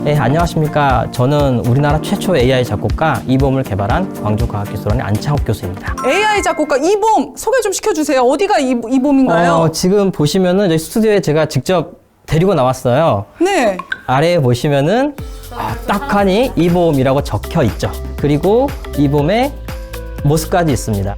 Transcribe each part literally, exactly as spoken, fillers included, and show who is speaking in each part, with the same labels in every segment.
Speaker 1: 네, 안녕하십니까. 저는 우리나라 최초 에이아이 작곡가 이봄을 개발한 광주과학기술원의 안창욱 교수입니다.
Speaker 2: 에이아이 작곡가 이봄 소개 좀 시켜주세요. 어디가 이, 이봄인가요?
Speaker 1: 어, 지금 보시면은 저희 스튜디오에 제가 직접 데리고 나왔어요.
Speaker 2: 네.
Speaker 1: 아래에 보시면은 아, 딱하니 이봄이라고 적혀 있죠. 그리고 이봄의 모습까지 있습니다.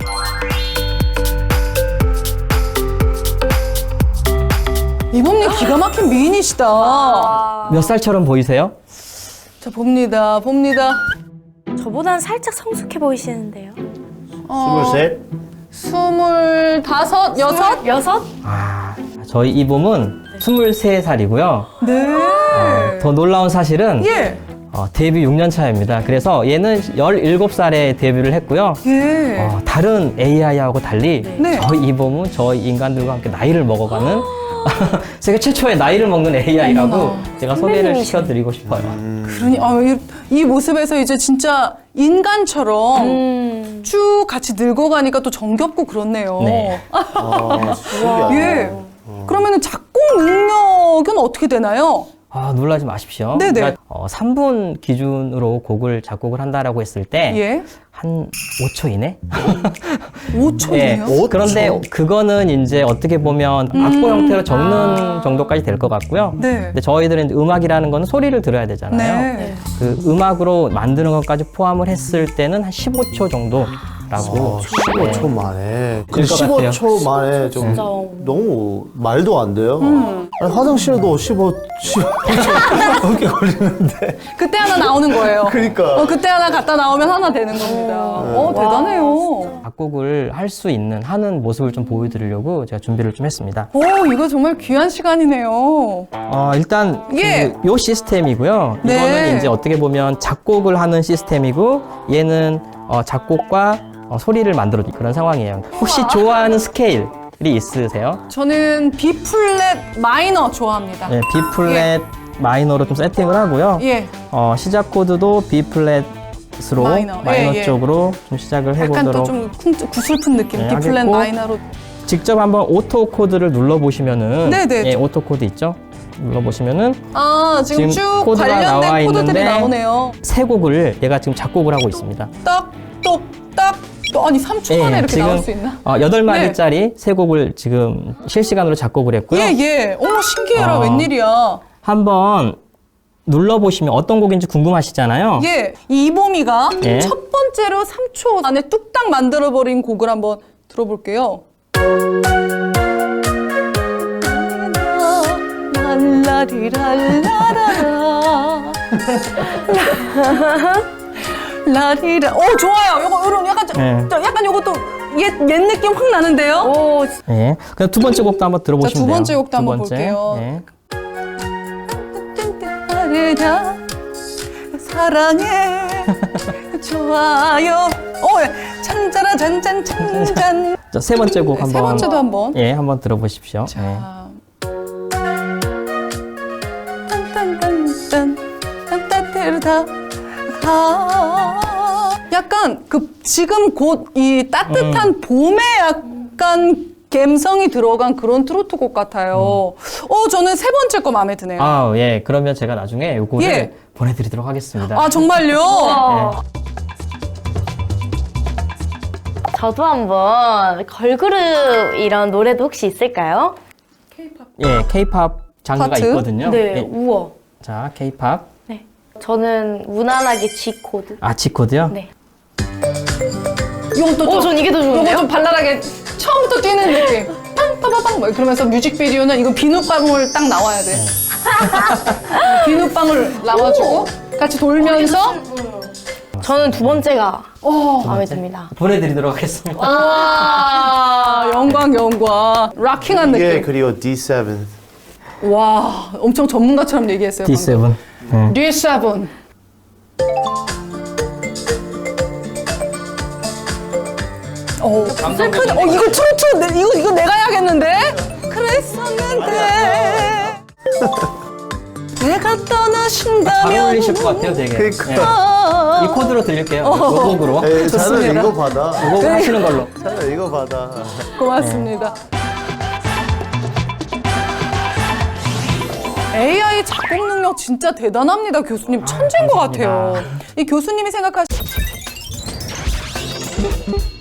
Speaker 2: 이봄님 기가 막힌 미인이시다.
Speaker 1: 몇 살처럼 보이세요?
Speaker 2: 자, 봅니다. 봅니다.
Speaker 3: 저보단 살짝 성숙해 보이시는데요.
Speaker 2: 어,
Speaker 4: 스물셋.
Speaker 2: 스물다섯, 여섯?
Speaker 3: 여섯?
Speaker 1: 아, 저희 이봄은 스물세 살이고요.
Speaker 2: 네.
Speaker 1: 어, 더 놀라운 사실은
Speaker 2: 예.
Speaker 1: 어, 데뷔 육 년 차입니다. 그래서 얘는 열일곱 살에 데뷔를 했고요.
Speaker 2: 예.
Speaker 1: 어, 다른 에이아이하고 달리
Speaker 2: 네.
Speaker 1: 저희 이봄은 저희 인간들과 함께 나이를 먹어가는 세계 최초의 나이를 먹는 에이아이라고
Speaker 2: 어머나.
Speaker 1: 제가 소개를
Speaker 3: 선배님이시네.
Speaker 1: 시켜드리고 싶어요.
Speaker 2: 그러니, 아, 이, 이 모습에서 이제 진짜 인간처럼
Speaker 3: 음.
Speaker 2: 쭉 같이 늙어가니까 또 정겹고 그렇네요.
Speaker 1: 네.
Speaker 4: 아, 신기하다.
Speaker 2: 예. 그러면은 작곡 능력은 어떻게 되나요?
Speaker 1: 아, 놀라지 마십시오.
Speaker 2: 네네.
Speaker 1: 그러니까 어, 삼 분 기준으로 곡을 작곡을 한다라고 했을 때
Speaker 2: 예.
Speaker 1: 한 오 초 이내?
Speaker 2: 오 초네요.
Speaker 1: 예. 그런데 그거는 이제 어떻게 보면 악보 형태로 적는
Speaker 3: 아.
Speaker 1: 정도까지 될 것 같고요.
Speaker 2: 네.
Speaker 1: 근데 저희들은 이제 음악이라는 거는 소리를 들어야 되잖아요.
Speaker 2: 네.
Speaker 1: 그 음악으로 만드는 것까지 포함을 했을 때는 한 십오 초 정도라고.
Speaker 4: 어, 십오 초 만에. 그
Speaker 1: 될것 같아요.
Speaker 4: 십오 초 만에 좀
Speaker 3: 진짜.
Speaker 4: 너무 말도 안 돼요.
Speaker 2: 음.
Speaker 4: 아니, 화장실도 십오, 십오 초 넘게 걸리는데.
Speaker 2: 그때 하나 나오는 거예요.
Speaker 4: 그러니까.
Speaker 2: 어, 그때 하나 갖다 나오면 하나 되는 겁니다. 어, 대단해요.
Speaker 1: 작곡을 할 수 있는 하는 모습을 좀 보여드리려고 제가 준비를 좀 했습니다.
Speaker 2: 오, 이거 정말 귀한 시간이네요.
Speaker 1: 어, 일단
Speaker 2: 예.
Speaker 1: 그, 요 시스템이고요.
Speaker 2: 네.
Speaker 1: 이거는 이제 어떻게 보면 작곡을 하는 시스템이고 얘는 어, 작곡과 어, 소리를 만들어 그런 상황이에요. 혹시 좋아하는 스케일이 있으세요?
Speaker 2: 저는 B 플랫 마이너 좋아합니다.
Speaker 1: 네, B 플랫 마이너로 좀 세팅을 하고요.
Speaker 2: 예.
Speaker 1: 어, 시작 코드도 B 플랫으로
Speaker 2: 마이너.
Speaker 1: 마이너,
Speaker 2: 예, 예.
Speaker 1: 쪽으로 좀 시작을
Speaker 2: 약간
Speaker 1: 해보도록.
Speaker 2: 또 좀 구슬픈 느낌.
Speaker 1: 네,
Speaker 2: B 플랫
Speaker 1: 하겠고.
Speaker 2: 마이너로.
Speaker 1: 직접 한번 오토 코드를 눌러 보시면은
Speaker 2: 네네.
Speaker 1: 예, 오토 코드 있죠? 눌러 보시면은
Speaker 2: 아, 지금,
Speaker 1: 지금
Speaker 2: 쭉
Speaker 1: 코드가 나와
Speaker 2: 관련된 코드들이
Speaker 1: 있는데
Speaker 2: 나오네요.
Speaker 1: 세 곡을 얘가 지금 작곡을 하고 있습니다.
Speaker 2: 딱, 똑, 딱. 또 아니 삼 초 만에
Speaker 1: 예,
Speaker 2: 이렇게
Speaker 1: 지금
Speaker 2: 나올 수 있나?
Speaker 1: 어, 여덟 마디짜리 세 곡을 지금 실시간으로 작곡을 했고요.
Speaker 2: 예, 예. 어머, 신기해라.
Speaker 1: 어.
Speaker 2: 웬일이야.
Speaker 1: 한번 눌러보시면 어떤 곡인지 궁금하시잖아요.
Speaker 2: 예. 이 이봄이가
Speaker 1: 예.
Speaker 2: 첫 번째로 삼 초 안에 뚝딱 만들어버린 곡을 한번 들어볼게요. 랄라리랄라라라 라리라. 오, 좋아요. 요거 요런 약간 저,
Speaker 1: 네.
Speaker 2: 저 약간 요것도 옛, 옛 느낌 확 나는데요.
Speaker 3: 오,
Speaker 1: 예. 그럼 두 번째 곡도 한번 들어보시면
Speaker 2: 자, 두
Speaker 1: 돼요.
Speaker 2: 번째 곡도
Speaker 1: 두
Speaker 2: 한번
Speaker 1: 번째.
Speaker 2: 볼게요.
Speaker 1: 예.
Speaker 2: 라리라 사랑해 좋아요. 오, 찬자라 잔잔 찬잔.
Speaker 1: 자, 세 번째 곡 한번
Speaker 2: 세 번째도 한번.
Speaker 1: 예, 한번 들어보십시오. 예.
Speaker 2: 자. 딴딴딴딴 딴따테르다 가. 약간 그 지금 곧 이 따뜻한
Speaker 1: 음.
Speaker 2: 봄에 약간 감성이 들어간 그런 트로트 곡 같아요. 어, 저는 세 번째 거 마음에 드네요. 아,
Speaker 1: 아, 예. 그러면 제가 나중에 요거를
Speaker 2: 예.
Speaker 1: 보내드리도록 하겠습니다.
Speaker 2: 정말요?
Speaker 3: 저도 한번 걸그룹 이런 노래도 혹시 있을까요?
Speaker 1: 예, K-팝 장르가
Speaker 2: 파트?
Speaker 1: 있거든요.
Speaker 3: 네,
Speaker 1: 예.
Speaker 3: 우와.
Speaker 1: 자, K-팝.
Speaker 3: 네. 저는 무난하게 G 코드.
Speaker 1: 아, G 코드요?
Speaker 3: 네.
Speaker 2: 이건 또
Speaker 3: 오,
Speaker 2: 좀-
Speaker 3: 전 이게 더
Speaker 2: 요거
Speaker 3: 좋은데요?
Speaker 2: 좀 발랄하게 처음부터 뛰는 느낌. 팡빠바방 뭐 그러면서 뮤직비디오는 이거 비눗방울 딱 나와야 돼. 비눗방울 나와주고 같이 돌면서
Speaker 3: 저는 두 번째가
Speaker 2: 어,
Speaker 3: 마음에 듭니다.
Speaker 1: 보내드리도록 하겠습니다.
Speaker 2: 와, 영광 영광. 락킹한
Speaker 4: 이게
Speaker 2: 느낌.
Speaker 4: 그리고 디 세븐.
Speaker 2: 와, 엄청 전문가처럼 얘기했어요.
Speaker 1: 디 세븐. 예.
Speaker 2: 디 세븐. 어, 슬프다. 어, 이거 트로트, 내, 이거, 이거 내가 해야겠는데? 그랬었는데. 내가
Speaker 1: 잘
Speaker 2: 떠나신다면.
Speaker 1: 어울리실 것 같아요, 되게.
Speaker 4: 그러니까.
Speaker 1: 예. 이 코드로 들릴게요. 요 곡으로.
Speaker 4: 에이,
Speaker 2: 좋습니다.
Speaker 4: 차라리 이거 받아.
Speaker 1: 이 곡을 하시는 걸로.
Speaker 4: 차라리 이거 받아.
Speaker 2: 고맙습니다. 에이아이 작곡 능력 진짜 대단합니다, 교수님. 천재인 것 같아요. 이 교수님이 생각하시